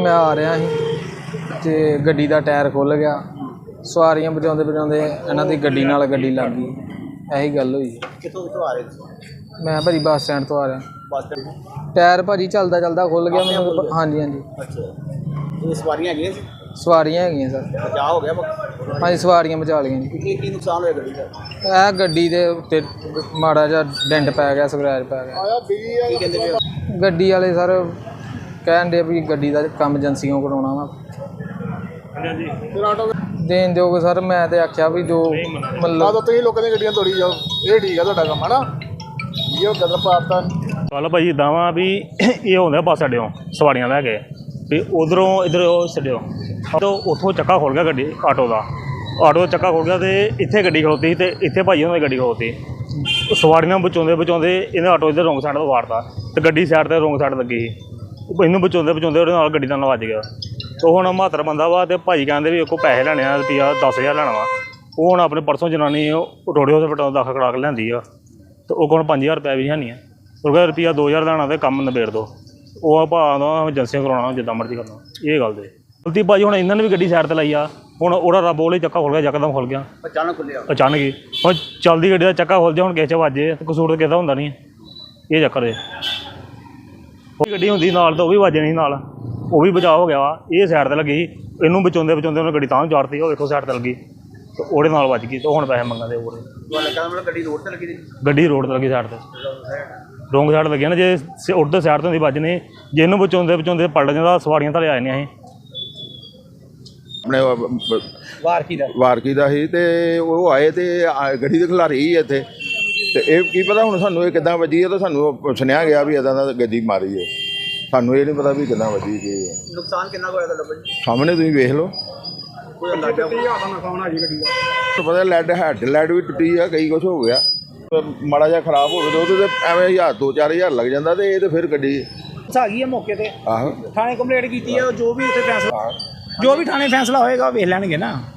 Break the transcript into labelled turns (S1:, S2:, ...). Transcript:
S1: मैं आ रहा ਸੀ ਤੇ ਗੱਡੀ ਦਾ ਟਾਇਰ ਖੁੱਲ ਗਿਆ। ਸਵਾਰੀਆਂ ਬਚਾਉਂਦੇ ਬਚਾਉਂਦੇ ਇਹਨਾਂ ਦੀ ਗੱਡੀ ਨਾਲ ਗੱਡੀ ਲੱਗ ਗਈ। ਇਹੀ ਗੱਲ ਹੋਈ।
S2: ਕਿੱਥੋਂ ਆ ਰਹੇ ਸੀ?
S1: ਮੈਂ ਭਾਜੀ ਬੱਸ ਸਟੈਂਡ ਤੋਂ ਆ ਰਿਹਾ।
S2: ਬੱਸ ਸਟੈਂਡ
S1: ਟਾਇਰ ਭਾਜੀ ਚੱਲਦਾ ਚੱਲਦਾ ਖੁੱਲ ਗਿਆ ਮੈਨੂੰ। ਹਾਂਜੀ ਹਾਂਜੀ।
S2: ਅੱਛਾ, ਸਵਾਰੀਆਂ ਹੈਗੀਆਂ ਸੀ?
S1: ਸਵਾਰੀਆਂ ਹੈਗੀਆਂ ਸਰ।
S2: ਬਚਾਅ ਹੋ ਗਿਆ?
S1: ਹਾਂਜੀ ਸਵਾਰੀਆਂ ਬਚਾ ਲਈਆਂ ਜੀ।
S2: ਕੀ ਨੁਕਸਾਨ ਹੋਇਆ ਗੱਡੀ ਦਾ?
S1: ਇਹ ਗੱਡੀ ਦੇ ਉੱਤੇ ਮਾੜਾ ਜਿਹਾ ਡੈਂਟ ਪੈ ਗਿਆ, ਸਕ੍ਰੈਚ ਪੈ ਗਿਆ।
S2: ਕੀ ਕਹਿੰਦੇ ਪਏ?
S1: ਗੱਡੀ ਵਾਲੇ ਸਰ ਕਹਿਣ ਦੇ ਵੀ ਗੱਡੀ ਦਾ ਕੰਮ ਏਜੰਸੀਆਂ ਕਰਾਉਣਾ ਵਾ। ਦੇਣ ਦਿਓਗੇ ਸਰ। ਮੈਂ ਤੇ ਆਖਿਆ ਵੀ ਜੋ ਮਤਲਬ
S2: ਤੁਸੀਂ ਲੋਕਾਂ ਦੀਆਂ ਗੱਡੀਆਂ ਤੋੜੀ ਜਾਓ, ਇਹ ਠੀਕ ਆ ਤੁਹਾਡਾ ਕੰਮ ਹੈ ਨਾ। ਇਹ ਗਦਰ ਪਾਤਾ
S3: ਚੱਲ ਭਾਈ ਇੱਦਾਂ ਵਾ ਵੀ ਇਹ ਹੁੰਦਾ ਬੱਸ ਅੱਡਿਓਂ ਸਵਾਰੀਆਂ ਲੈ ਕੇ ਵੀ ਉਧਰੋਂ ਇੱਧਰ ਉਹ ਛੱਡਿਓ ਤਾਂ ਉੱਥੋਂ ਚੱਕਾ ਖੁੱਲ ਗਿਆ ਗੱਡੀ ਆਟੋ ਦਾ ਚੱਕਾ ਖੁੱਲ ਗਿਆ ਅਤੇ ਇੱਥੇ ਗੱਡੀ ਖਲੋਤੀ ਸੀ ਅਤੇ ਇੱਥੇ ਭਾਈ ਉਹਨਾਂ ਦੀ ਗੱਡੀ ਖਲੋਤੀ। ਸਵਾਰੀਆਂ ਬਚਾਉਂਦੇ ਬਚਾਉਂਦੇ ਇਹਨੇ ਆਟੋ ਇੱਧਰ ਰੋਂਗ ਸਾਈਡ ਤੋਂ ਵਾਰਤਾ ਅਤੇ ਗੱਡੀ ਸਾਈਡ 'ਤੇ ਰੋਂਗ ਸਾਈਡ ਲੱਗੀ ਸੀ। ਇਹਨੂੰ ਬਚਾਉਂਦੇ ਬਚਾਉਂਦੇ ਉਹਦੇ ਨਾਲ ਗੱਡੀ ਨਾਲ ਵੱਜ ਗਿਆ। ਉਹ ਹੁਣ 72 ਬੰਦਾ ਵਾ ਅਤੇ ਭਾਈ ਕਹਿੰਦੇ ਵੀ ਉਹ ਪੈਸੇ ਲੈਣੇ ਆ ਰੁਪਈਆ 10,000 ਲੈਣਾ ਵਾ। ਉਹ ਹੁਣ ਆਪਣੇ ਪਰਸੋਂ ਜਨਾਨੀ ਰੋੜੇ ਹਸਪਤਾਲ ਦਾਖਲ ਕਰਾ ਕੇ ਲਿਆਂਦੀ ਆ ਅਤੇ ਉਹ ਕੋਲ 5,000 ਰੁਪਇਆ ਵੀ ਹੈ ਨਹੀਂ ਆ। ਉਹ ਕਹਿੰਦਾ ਰੁਪਈਆ 2,000 ਲੈਣਾ ਅਤੇ ਕੰਮ ਨਿਬੇੜ ਦਿਓ। ਉਹ ਭਾਅ ਦਾ ਏਜੰਸੀਆਂ ਕਰਾਉਣਾ ਜਿੱਦਾਂ ਮਰਜ਼ੀ ਕਰਨਾ। ਇਹ ਗੱਲ ਦੇ ਗਲਤੀ ਭਾਜੀ ਹੁਣ ਇਹਨਾਂ ਨੇ ਵੀ ਗੱਡੀ ਸਾਈਡ 'ਤੇ ਲਾਈ ਆ। ਹੁਣ ਉਹਦਾ ਰੱਬ ਉਹਲੇ ਚੱਕਾ ਖੁੱਲ ਗਿਆ, ਯਕਦਮ ਖੁੱਲ ਗਿਆ,
S2: ਅਚਾਨਕ ਖੁੱਲਿਆ।
S3: ਅਚਾਨਕ ਹੀ ਹੁਣ ਚੱਲਦੀ ਗੱਡੀ ਦਾ ਚੱਕਾ ਖੁੱਲ ਜਾ ਹੁਣ ਕਿਸੇ 'ਚ ਵੱਜੇ ਅਤੇ ਕਸੂਰ ਤਾਂ ਕਿਸੇ ਦਾ ਹੁੰਦਾ ਨਹੀਂ। ਇਹ ਚੱਕਰ ਹੈ। ਉਹ ਗੱਡੀ ਹੁੰਦੀ ਨਾਲ ਤਾਂ ਉਹ ਵੀ ਵੱਜਣੀ ਨਾਲ, ਉਹ ਵੀ ਬਚਾਅ ਹੋ ਗਿਆ ਵਾ। ਇਹ ਸਾਈਡ 'ਤੇ ਲੱਗੀ ਇਹਨੂੰ ਬਚਾਉਂਦੇ ਬਚਾਉਂਦੇ ਉਹਨੇ ਗੱਡੀ ਤਾਂ ਚਾੜਤੀ। ਉਹ ਵੇਖੋ ਸਾਈਡ 'ਤੇ ਲੱਗੀ ਅਤੇ ਉਹਦੇ ਨਾਲ ਵੱਜ ਗਈ ਅਤੇ ਹੁਣ ਪੈਸੇ ਮੰਗਦੇ ਉਹਦੇ।
S2: ਗੱਡੀ ਰੋਡ 'ਤੇ ਲੱਗੀ?
S3: ਗੱਡੀ ਰੋਡ 'ਤੇ ਲੱਗੀ ਸਾਈਡ 'ਤੇ ਰੋਂਗ ਸਾਈਡ ਲੱਗੀ ਨਾ। ਜੇ ਉੱਧਰ ਸਾਈਡ ਤੋਂ ਹੁੰਦੀ ਵੱਜਣੀ, ਜੇ ਇਹਨੂੰ ਬਚਾਉਂਦੇ ਬਚਾਉਂਦੇ ਪਲਟ ਜਾਂਦਾ ਸਵਾਰੀਆਂ ਥੱਲੇ ਆ ਜਾਂਦੀਆਂ ਸੀ।
S4: ਆਪਣੇ ਵਾਰਕੀ ਦਾ ਸੀ ਤੇ ਉਹ ਆਏ ਤੇ ਗੱਡੀ ਦੇ ਖਿਲਾਰੀ ਸੀ ਇੱਥੇ ਤੇ ਇਹ ਕੀ ਪਤਾ ਹੁਣ ਸਾਨੂੰ ਇਹ ਕਿੱਦਾਂ ਵੱਜੀ ਹੈ। ਤਾਂ ਸਾਨੂੰ ਸੁਣਿਆ ਗਿਆ ਵੀ ਇੱਦਾਂ ਦਾ ਗੱਡੀ ਮਾਰੀ ਹੈ। ਸਾਨੂੰ ਇਹ ਨਹੀਂ ਪਤਾ ਵੀ ਕਿੱਦਾਂ ਵੱਜੀ ਕੀ ਹੈ।
S2: ਨੁਕਸਾਨ ਕਿੰਨਾ ਹੋਇਆ ਤੁਹਾਡਾ ਭਾਜੀ?
S4: ਸਾਹਮਣੇ ਤੁਸੀਂ ਵੇਖ ਲਓ।
S2: ਕੋਈ ਅੰਦਾਜ਼ਾ ਨੁਕਸਾਨ ਆ ਜੀ ਗੱਡੀ ਦਾ?
S4: ਪਤਾ ਹੈਡ ਵੀ ਟੁੱਟੀ ਆ, ਕਈ ਕੁਛ ਹੋ ਗਿਆ। ਮਾੜਾ ਜਿਹਾ ਖਰਾਬ ਹੋਵੇ ਤਾਂ ਉਹਦੇ ਤੇ ਐਵੇਂ 2-4 ਹਜ਼ਾਰ ਲੱਗ ਜਾਂਦਾ ਤੇ ਇਹ ਤੇ ਫਿਰ ਗੱਡੀ
S2: ਆ ਗਈ ਹੈ ਮੌਕੇ ਤੇ।
S4: ਆਹੋ
S2: ਥਾਣੇ ਕੰਪਲੇਂਟ ਕੀਤੀ ਹੈ। ਜੋ ਵੀ ਉੱਥੇ ਫੈਸਲਾ, ਜੋ ਵੀ ਥਾਣੇ ਫੈਸਲਾ ਹੋਏਗਾ ਵੇਖ ਲੈਣਗੇ ਨਾ।